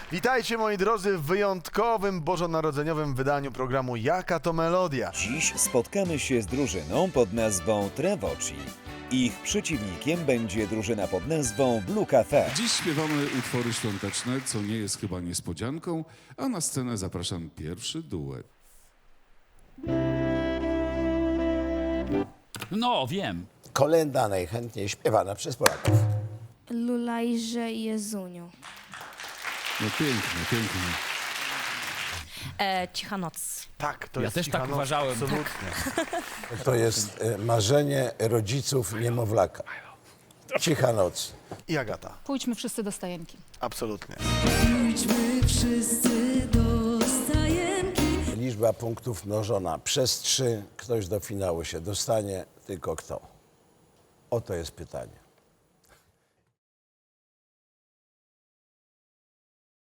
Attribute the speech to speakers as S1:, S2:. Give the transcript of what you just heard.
S1: Witajcie moi drodzy w wyjątkowym bożonarodzeniowym wydaniu programu Jaka to Melodia.
S2: Dziś spotkamy się z drużyną pod nazwą Trevoci. Ich przeciwnikiem będzie drużyna pod nazwą Blue Cafe.
S3: Dziś śpiewamy utwory świąteczne, co nie jest chyba niespodzianką, a na scenę zapraszam pierwszy duet.
S4: No, wiem.
S5: Kolenda najchętniej śpiewana przez Polaków.
S6: Lulajże Jezuniu.
S3: No pięknie, pięknie.
S7: Cicha noc.
S1: Tak, to
S4: Ja
S1: jest
S4: też
S1: cicha
S4: tak
S1: noc,
S4: uważałem.
S1: Absolutnie.
S5: To jest marzenie rodziców niemowlaka. Cicha noc.
S1: I Agata.
S8: Pójdźmy wszyscy do stajenki.
S1: Absolutnie.
S9: Pójdźmy wszyscy do stajenki.
S5: Liczba punktów mnożona przez 3. Ktoś do finału się dostanie, tylko kto? Oto jest pytanie.